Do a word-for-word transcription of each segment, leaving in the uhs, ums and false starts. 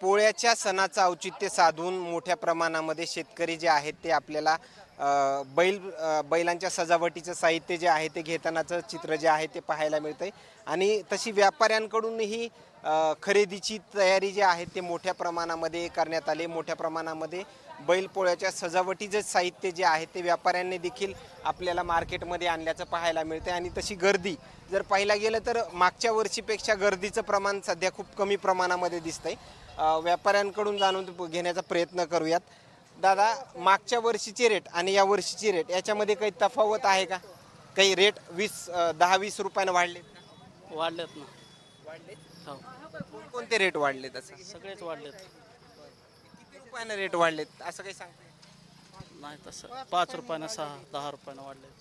पोळ्याच्या सणाचं औचित्य साधून मोठ्या प्रमाणामध्ये शेतकरी जे आहेत ते आपल्याला अ, बैल अ, बैलांच्या सजावटीचं साहित्य जे आहे ते घेतानाचं चित्र जे आहे ते पाहायला मिळतंय आणि तशी व्यापाऱ्यांकडूनही अ, खरेदीची तयारी जी आहे ते मोठ्या प्रमाणामध्ये करण्यात आली. मोठ्या प्रमाणामध्ये बैलपोळ्याच्या सजावटीचं साहित्य जे आहे ते व्यापाऱ्यांनी देखील आपल्याला मार्केटमध्ये आणल्याचं पाहायला मिळते आणि तशी गर्दी जर पाहायला गेलं तर मागच्या वर्षीपेक्षा गर्दीचं प्रमाण सध्या खूप कमी प्रमाणामध्ये दिसतंय. अ, व्यापाऱ्यांकडून जाणून घेण्याचा प्रयत्न करूयात. दादा, मागच्या वर्षीचे रेट आणि या वर्षीची रेट याच्यामध्ये काही तफावत आहे का? काही रेट वीस अ, दहा वीस रुपयानं वाढले का? वाढलेत ना. वाढले. हो, कोणते रेट वाढले तसं? सगळेच वाढलेत. किती रुपयानं रेट वाढलेत असं काही सांगता येईल? नाही तसं पाच रुपयानं सहा दहा रुपयानं वाढलेत.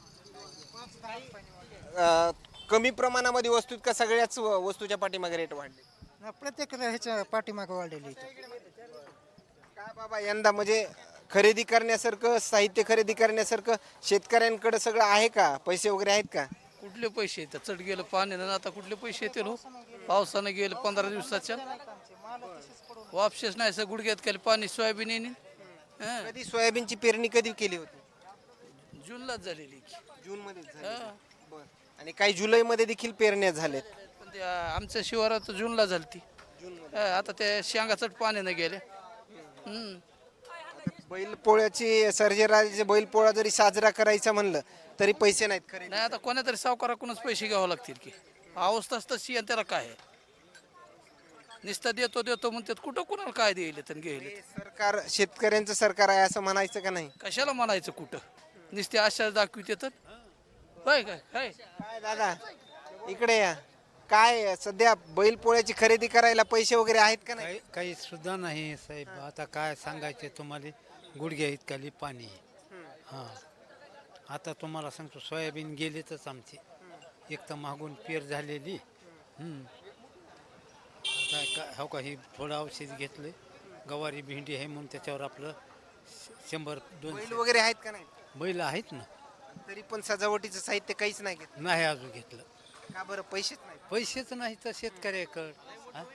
अ, कमी प्रमाणामध्ये वस्तू का सगळ्याच व- वस्तूच्या पाठीमागे रेट वाढले? ना प्रत्येक ह्याच्या पाठीमागं वाढलेली आहे. काय बाबा यंदा म्हणजे खरेदी करण्यासारखं साहित्य खरेदी करण्यासारखं शेतकऱ्यांकडे सगळं आहे का? पैसे वगैरे आहेत का? कुठले पैसे येतात? चढ गेलं पाण्यानं आता कुठले पैसे येतील हो? पावसानं गेलं पंधरा दिवसाच्या वापसेच नाही सर गुडघ्यात केलं पाणी सोयाबीन येईन हं. कधी सोयाबीनची पेरणी कधी केली होती? जूनलाच झालेली की. जून मध्ये हं. आणि काही जुलैमध्ये देखील पेरण्या झाल्यात. पण ते आमच्या शिवारात जूनला झाली ती आता त्या शेंगा चढ पाण्यानं गेल्या. हम्म. बैलपोळ्याची सर्जेराजे बैलपोळा जरी साजरा करायचा म्हणलं तरी पैसे नाहीत खरे. नाही आता कोणा तरी सावकाराकडूनच पैसे घ्यावं लागतील की. अवस्थाच तशी आणि त्याला काय आहे नुसतं देतो देतो म्हणतात कुठं कुणाला काय देईल तर घेईल सरकार शेतकऱ्यांचं सरकार आहे असं म्हणायचं का नाही? कशाला म्हणायचं कुठं नुसते आशा दाखविते तर होय काय काय काय दादा इकडे या. काय सध्या बैलपोळ्याची खरेदी करायला पैसे वगैरे आहेत का नाही? काही काही सुद्धा नाही साहेब. आता काय सांगायचे तुम्हाला, गुडघ्या इतकाली पाणी हां. आता तुम्हाला सांगतो सोयाबीन गेलेतच आमचे. एक तर मागून पेर झालेली. हम्म. आता का हो का ही थोडं औषध घेतलं गवारी भेंडी आहे म्हणून त्याच्यावर आपलं श- शंभर बैल दोनशे वगैरे आहेत का नाही? बैल आहेत ना. तरी पण सजावटीचं साहित्य काहीच नाही घेत. नाही अजून घेतलं. का बरं? पैसेच नाही. पैसेच नाही तर शेतकऱ्याकडं हां.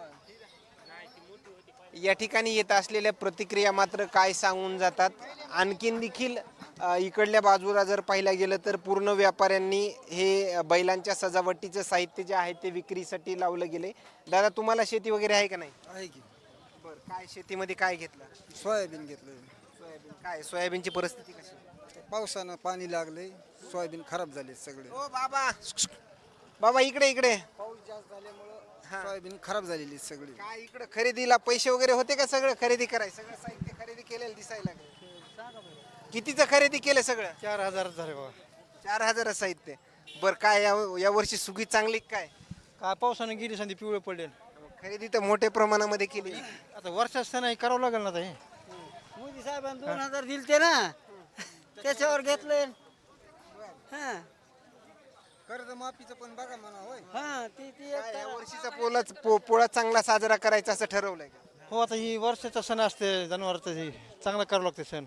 या ठिकाणी येत असलेल्या प्रतिक्रिया मात्र काय सांगून जातात. आणखीन देखील अ, इकडल्या बाजूला जर पाहिलं गेलं तर पूर्ण व्यापाऱ्यांनी हे बैलांच्या सजावटीचं साहित्य जे आहे ते विक्रीसाठी लावलं गेले. दादा, तुम्हाला शेती वगैरे आहे का नाही? आहे की बरं, काय शेतीमध्ये काय घेतलं? सोयाबीन घेतलं. सोयाबीन. काय सोयाबीनची परिस्थिती कशी? पावसानं पाणी लागले, सोयाबीन खराब झाले सगळे. ओ बाबा, बाबा इकडे इकडे. पाऊस जास्त झाल्यामुळं सोयाबीन खराब झालेली सगळी. काय इकडे खरेदीला पैसे वगैरे होते का? सगळं खरेदी करायचं सगळं साहित्य खरेदी केलेलं दिसायला लागलं. कितीचं खरेदी केलं सगळं? चार हजार झाले बघा. चार हजार साहित्य. बरं, काय या या वर्षी सुगी चांगली काय? काय पावसानं गेली संधी पिवळे पडले. खरेदी तर मोठ्या प्रमाणामध्ये केली. आता वर्षात सण करावं लागेल ना आता हे. मोदी साहेबांनी दोन हजार दिलते ना त्याच्यावर घेतले. हा कर्ज माफीचं पण बघा म्हणा होय. हा ती ती काय या वर्षीचा पोलाच पो- पोळा चांगला साजरा करायचा असं ठरवलंय का? हो आता ही वर्षाचा सण असते जनावरचं हे चांगला करावं लागते सण.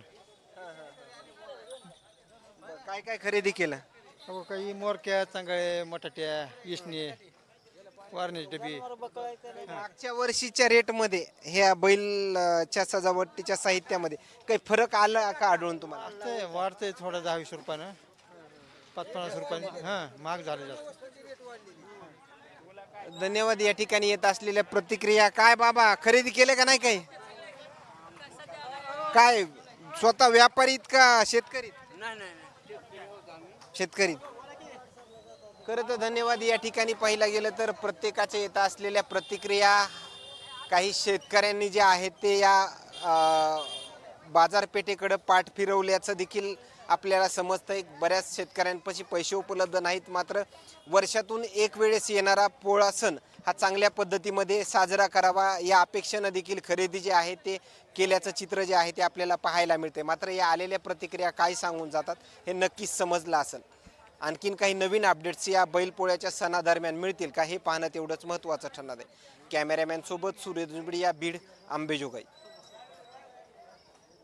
बरं, काय काय खरेदी केलं? हो काही मोरक्या चांगळे मटाट्या इसणे वारण्याची डबी. मागच्या वर्षीच्या रेटमध्ये ह्या बैलच्या सजावटीच्या साहित्यामध्ये काही फरक आला का आढळून तुम्हाला? ते वाढते थोडं दहा वीस रुपयानं पाच पन्नास रुपयाने हां महाग झाले जास्त. धन्यवाद. या ठिकाणी येत असलेल्या प्रतिक्रिया. काय बाबा, खरेदी केले का नाही काही? काय स्वतः व्यापारीत का शेतकरी? शेतकरी. खरं तर धन्यवाद. या ठिकाणी पाहिलं गेलं तर प्रत्येकाच्या येत असलेल्या प्रतिक्रिया. काही शेतकऱ्यांनी जे आहेत ते या अ, बाजारपेठेकडे पाठ फिरवल्याचं देखील आपल्याला समजतंय. बऱ्याच शेतकऱ्यांपाशी पैसे उपलब्ध नाहीत, मात्र वर्षातून एक वेळेस येणारा पोळा सण हा चांगल्या पद्धतीमध्ये साजरा करावा या अपेक्षेनं देखील खरेदी जे आहे ते केल्याचं चित्र जे आहे ते आपल्याला पाहायला मिळते. मात्र या आलेल्या प्रतिक्रिया काय सांगून जातात हे नक्कीच समजलं असेल. आणखीन काही नवीन अपडेट्स या बैलपोळ्याच्या सणादरम्यान मिळतील का हे पाहणं तेवढंच महत्त्वाचं ठरणार आहे. कॅमेरामॅन सोबत सूर्य दुबडी, या बीड, अंबेजोगाई.